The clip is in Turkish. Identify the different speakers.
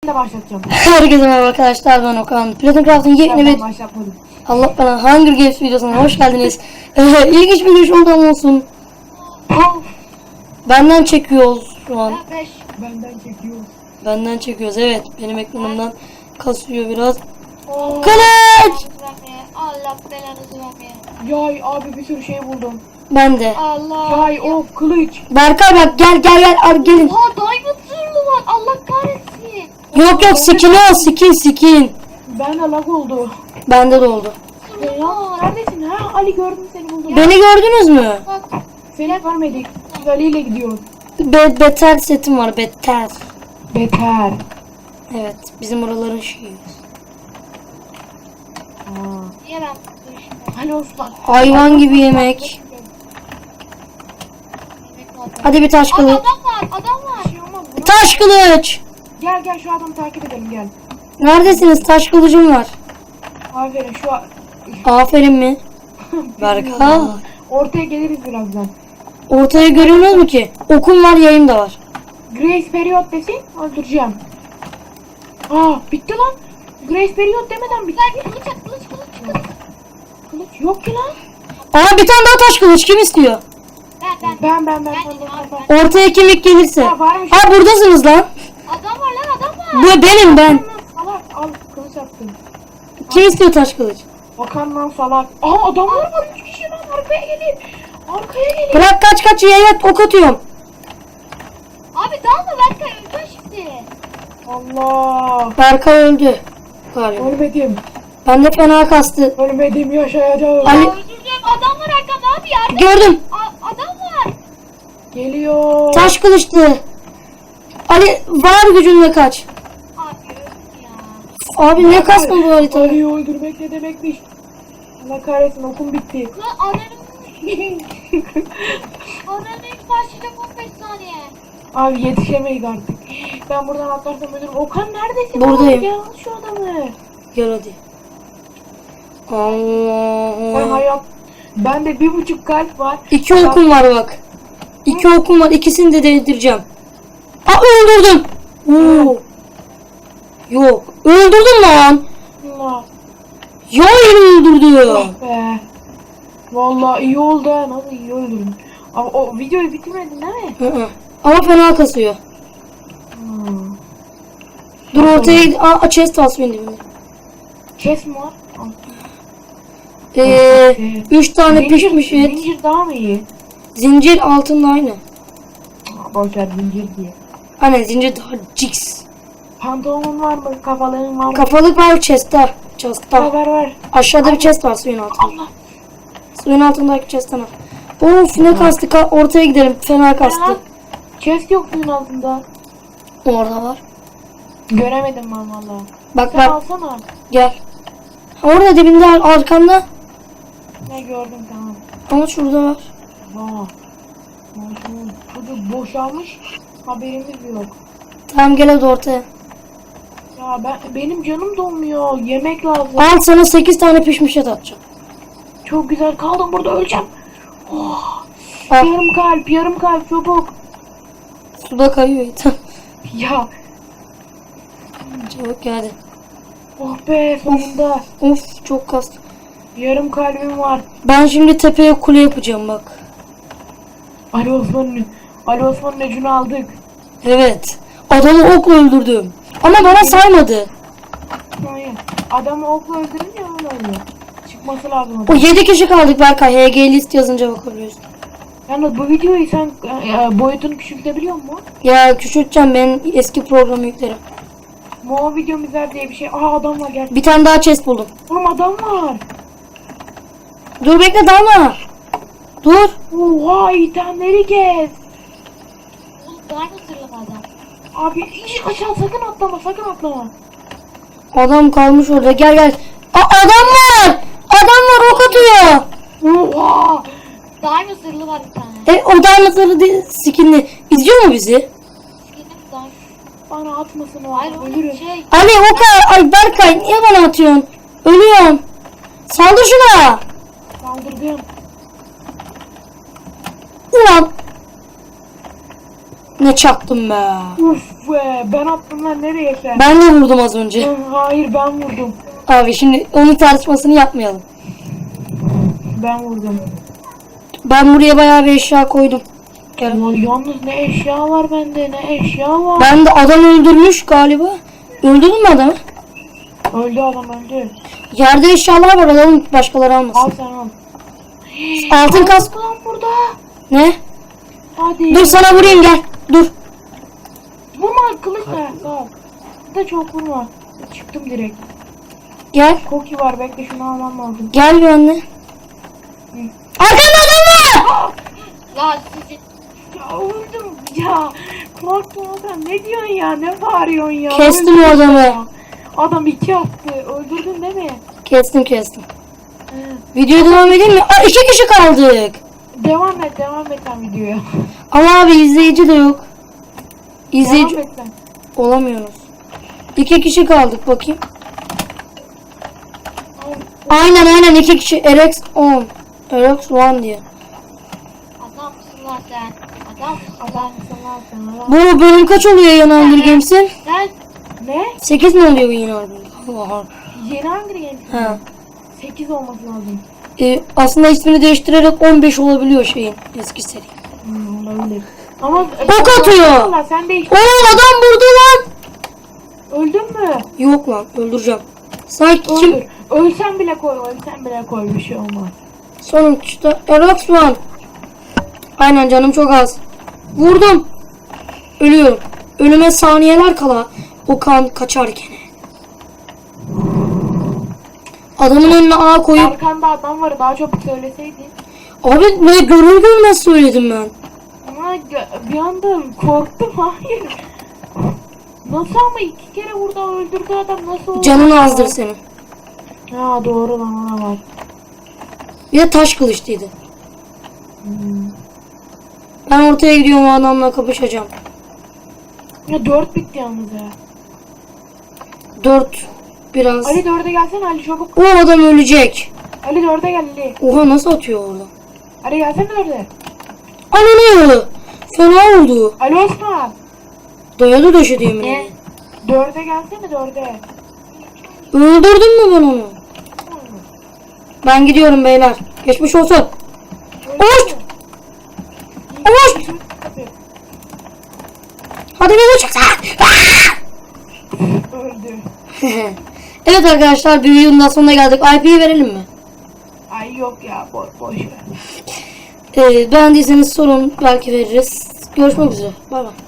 Speaker 1: başlatacağım.
Speaker 2: Herkese merhaba arkadaşlar, ben Okan. Platon Craft'ın yeni bir...
Speaker 1: Başlatmadım.
Speaker 2: Allah bana Hunger Games videosuna hoş geldiniz. İlginç bir giriş oldu ama olsun. Benden çekiyoruz şu an.
Speaker 1: Benden çekiyor.
Speaker 2: Benden çekiyoruz, evet. Benim ekranımdan kasıyor biraz.
Speaker 1: Oo.
Speaker 2: Kılıç!
Speaker 3: Allah belanızı vermeye.
Speaker 1: Yay abi bir sürü şey buldum.
Speaker 2: Ben de.
Speaker 3: Allah.
Speaker 1: Yay ok kılıç.
Speaker 2: Berkay bak, gel abi gelin.
Speaker 3: Oha diamond zırhlı var. Allah kahretsin.
Speaker 2: Yok skin o, skin.
Speaker 1: Ben de lag oldu.
Speaker 2: Bende de oldu.
Speaker 1: Ya neredesin ha? Ali gördüm seni buldum.
Speaker 2: Beni gördünüz mü?
Speaker 3: Bak.
Speaker 1: Seni görmedik. Biz Ali ile gidiyoruz.
Speaker 2: Beter setim var, beter.
Speaker 1: Beter.
Speaker 2: Evet, bizim oraların şeyi.
Speaker 3: Niye ben dönüşüm?
Speaker 1: Ali Osman.
Speaker 2: Hayvan gibi yemek. Hadi bir taş kılıç.
Speaker 3: Adam var.
Speaker 1: Bir şey olmaz buna.
Speaker 2: Taş kılıç.
Speaker 1: Gel şu adamı takip edelim gel.
Speaker 2: Neredesiniz? Taş kılıcım var.
Speaker 1: Aferin şu an.
Speaker 2: Aferin mi? Berkay.
Speaker 1: Ortaya geliriz birazdan.
Speaker 2: Ortaya görüyorsunuz mu ki? Okum var, yayım da var.
Speaker 1: Grace Period desin öldüreceğim. Aa bitti lan. Grace Period demeden bitti.
Speaker 3: Kılıç at, kılıç.
Speaker 1: Kılıç yok ki lan.
Speaker 2: Aa, bir tane daha taş kılıç kim istiyor?
Speaker 3: Ben.
Speaker 1: Ben.
Speaker 3: Ben.
Speaker 2: Ortaya kim ilk gelirse.
Speaker 1: Ha, varmış.
Speaker 2: Ha, buradasınız lan.
Speaker 3: Adam var.
Speaker 2: Bu benim ben.
Speaker 1: Salak al kılıç attım.
Speaker 2: Kim istiyor taş kılıç?
Speaker 1: Bakan lan salak. Aa adamlar var 3 kişi lan arkaya gelin. Arkaya gelin.
Speaker 2: Bırak kaç yaya ok atıyorum.
Speaker 3: Abi dalma Berkay öldü şimdi.
Speaker 1: Allah.
Speaker 2: Berkay öldü. Galiba.
Speaker 1: Ölmedim.
Speaker 2: Ben de fena kastı.
Speaker 1: Ölmedim yaşayacağım.
Speaker 2: Ali-
Speaker 3: Ya öldüreceğim. Adam var arkamda abi yardım.
Speaker 2: Gördüm.
Speaker 3: Adam var.
Speaker 1: Geliyor.
Speaker 2: Taş kılıçtı. Ali var gücünle kaç.
Speaker 3: Abi öldüm ya.
Speaker 2: Abi ne kastın bu haritada?
Speaker 1: Ali'yi öldürmek ne demekmiş? Allah kahretsin okum bitti.
Speaker 3: Lan ananın ilk başlayacak 15 saniye.
Speaker 1: Abi yetişemeyiz artık. Ben buradan atlarsam ölürüm. Okan neredesin?
Speaker 2: Buradayım.
Speaker 1: Abi, gel al şu adamı.
Speaker 2: Gel hadi.
Speaker 1: Ben
Speaker 2: Allah.
Speaker 1: hayat. Bende 1,5 kalp var.
Speaker 2: 2 okum var bak. 2 okum var. İkisini de değdireceğim. Aa, öldürdüm. Oo. Yok. Öldürdüm lan.
Speaker 1: Allah.
Speaker 2: Ya öldürdü.
Speaker 1: Oh be. Vallahi iyi oldu ha. Nasıl iyi öldürdün. Ama o videoyu bitirmedin değil mi?
Speaker 2: Hı hı. Ama fena kasıyor. Dur ortaya. Aa, chest var benim dibimde.
Speaker 1: Kes mi var? Al.
Speaker 2: 3 tane pişmiş et.
Speaker 1: Zincir daha mı iyi?
Speaker 2: Zincir altında aynı.
Speaker 1: Boşver zincir diye.
Speaker 2: Aynen, zincir daha jigs.
Speaker 1: Pantolonun var mı? Kafalığın var mı?
Speaker 2: Kafalık var chest'ta. Chest'ta.
Speaker 1: Var.
Speaker 2: Aşağıda bir chest var suyun altında.
Speaker 1: Allah.
Speaker 2: Suyun altındaki chest'ten al. Of ne kastı. Ortaya gidelim. Fena kastı.
Speaker 1: Chest yok suyun altında.
Speaker 2: Orada var.
Speaker 1: Göremedim ben valla.
Speaker 2: Bak
Speaker 1: Sen
Speaker 2: bak.
Speaker 1: alsana.
Speaker 2: Gel. Orada dibinde arkanda.
Speaker 1: Ne gördüm tamam.
Speaker 2: Ama şurada var.
Speaker 1: Vaa. Çocuk boşalmış. Haberimiz yok.
Speaker 2: Tamam gel hadi ortaya.
Speaker 1: Ya benim canım donmuyor. Yemek lazım.
Speaker 2: Al sana 8 tane pişmiş et atacağım.
Speaker 1: Çok güzel kaldım burada öleceğim. Oh.
Speaker 2: Al.
Speaker 1: Yarım kalp çabuk.
Speaker 2: Suda kayıyor et.
Speaker 1: Ya
Speaker 2: Çabuk gel hadi.
Speaker 1: oh be sonunda.
Speaker 2: Of çok kastı.
Speaker 1: Yarım kalbim var.
Speaker 2: Ben şimdi tepeye kule yapacağım bak.
Speaker 1: Ali Osman'ın öcünü aldık.
Speaker 2: Evet. Adamı okla öldürdüm. Ama bana saymadı.
Speaker 1: Hayır. Adamı okla öldürünce öyle oluyor. Çıkması lazım.
Speaker 2: O 7 kişi kaldık Berkay. HG list yazınca bakabiliyorsun.
Speaker 1: Yalnız bu videoyu sen boyutunu küçültebiliyor musun?
Speaker 2: Ya küçülteceğim, ben eski programı yüklerim.
Speaker 1: Mo videomuz var diye bir şey. Aa adam var gel.
Speaker 2: Bir tane daha chest buldum.
Speaker 1: Oğlum adam var.
Speaker 2: Dur bekle, dalma. Dur.
Speaker 1: Oha itemleri kes.
Speaker 3: Oğlum diamond zırhlı adam.
Speaker 1: Abi hiç aşağı sakın atlama.
Speaker 2: Adam kalmış orada, gel. Adam var. Adam var, ok atıyor.
Speaker 1: Oha.
Speaker 3: Diamond zırhlı var bir tane.
Speaker 2: O diamondları değil, skinli. İzliyor mu bizi?
Speaker 3: Skinim diamond.
Speaker 1: Bana atmasın o.
Speaker 3: Hayır
Speaker 1: Ölürüm.
Speaker 3: oğlum şey.
Speaker 2: Ali oka. Ay Berkay niye bana atıyorsun? Ölüyorum. Saldır şuna.
Speaker 1: Saldırdım.
Speaker 2: Ulan. Ne çaktım be.
Speaker 1: Uf be, ben attım lan, nereye sen?
Speaker 2: Ben de vurdum az önce.
Speaker 1: Hayır, ben vurdum.
Speaker 2: Abi şimdi onun tartışmasını yapmayalım.
Speaker 1: Ben vurdum.
Speaker 2: Ben buraya bayağı bir eşya koydum. Gel.
Speaker 1: Ulan yalnız ne eşya var bende, ne eşya var.
Speaker 2: Ben de adam öldürmüş galiba. Öldürdün mü adamı?
Speaker 1: Öldü adam, öldü.
Speaker 2: Yerde eşyalar var, alalım başkaları
Speaker 1: Al
Speaker 2: almasın.
Speaker 1: sen al.
Speaker 2: Altın kask.
Speaker 1: Lan burada.
Speaker 2: Ne?
Speaker 1: Hadi.
Speaker 2: Dur sana vurayım, gel. Dur.
Speaker 1: Vurma, kılıçla. Sağ ol. Da çok vurma. Çıktım direkt.
Speaker 2: Gel.
Speaker 1: Koki var, bekle, şunu almam lazım.
Speaker 2: Gel bir anne. Arkanda adam var.
Speaker 3: Lan sizi.
Speaker 1: Ya öldüm ya. Korktum adam, ne diyorsun ya, ne bağırıyorsun ya.
Speaker 2: Kestim
Speaker 1: Öldüm
Speaker 2: o adamı.
Speaker 1: ya. Adam 2 attı. Öldürdün değil mi?
Speaker 2: Kestim. Videoya devam edeyim mi? Aa, 2 kişi kaldık.
Speaker 1: Devam et sen videoya.
Speaker 2: Ama abi izleyici de yok. İzleyici
Speaker 1: Devam et sen.
Speaker 2: olamıyoruz. 2 kişi kaldık, bakayım. Aynen 2 kişi. RX 10. RX 1 diye.
Speaker 3: Adamsın lan sen. Adamsın.
Speaker 1: Adamsın lan sen. Adam.
Speaker 2: Bu bölüm kaç oluyor yeni Hunger Games'in?
Speaker 3: Sen.
Speaker 1: Ne?
Speaker 2: 8 mi oluyor bu yeni Hunger Games? Allah.
Speaker 1: Yeni Hunger Games.
Speaker 2: Ha.
Speaker 1: 8 olması lazım.
Speaker 2: Aslında ismini değiştirerek 15 olabiliyor şeyin eski seri.
Speaker 1: Olabilir. Ama
Speaker 2: Ok atıyor.
Speaker 1: Allah, sen değiş.
Speaker 2: Oo, adam burada lan.
Speaker 1: Öldün mü?
Speaker 2: Yok lan, öldüreceğim. Sanki
Speaker 1: Öldür.
Speaker 2: kim?
Speaker 1: Ölsen bile koy, bir şey olmaz.
Speaker 2: Sonuçta RX 1. Aynen, canım çok az. Vurdum. Ölüyorum. Ölüme saniyeler kala o kan kaçarken. Adamın önüne A koyup
Speaker 1: Arkanda adam var, daha çabuk söyleseydin.
Speaker 2: abi ne görür görmez söyledim ben.
Speaker 1: Ama bir anda korktum, hayır. Nasıl ama 2 kere burada öldürdü adam, nasıl oldu?
Speaker 2: Canın
Speaker 1: ya?
Speaker 2: azdır senin.
Speaker 1: Ha doğru lan, ona var.
Speaker 2: Bir de taş kılıçlıydı. Ben ortaya gidiyorum, o adamla kapışacağım.
Speaker 1: Ya 4 bitti yalnız ya.
Speaker 2: 4 biraz.
Speaker 1: Ali 4'e gelsene, Ali çabuk.
Speaker 2: O adam ölecek.
Speaker 1: Ali 4'e gel Ali.
Speaker 2: Oha, nasıl atıyor orada?
Speaker 1: Ali gelsene 4'e.
Speaker 2: Ananı. Fena oldu.
Speaker 1: Ali Osman.
Speaker 2: Dayadı döşedi yemin
Speaker 3: Ne?
Speaker 2: ederim.
Speaker 1: 4'e gelsene 4'e.
Speaker 2: Öldürdün mü ben onu? Ben gidiyorum beyler. Geçmiş olsun. Oğuz! Oğuz! Hadi beni çıksana.
Speaker 1: Öldü.
Speaker 2: Evet arkadaşlar, bir videonun daha sonuna geldik. IP'yi verelim mi?
Speaker 1: Ay yok ya, boş ver.
Speaker 2: Beğendiyseniz sorun, belki veririz. Görüşmek üzere. Bay bay.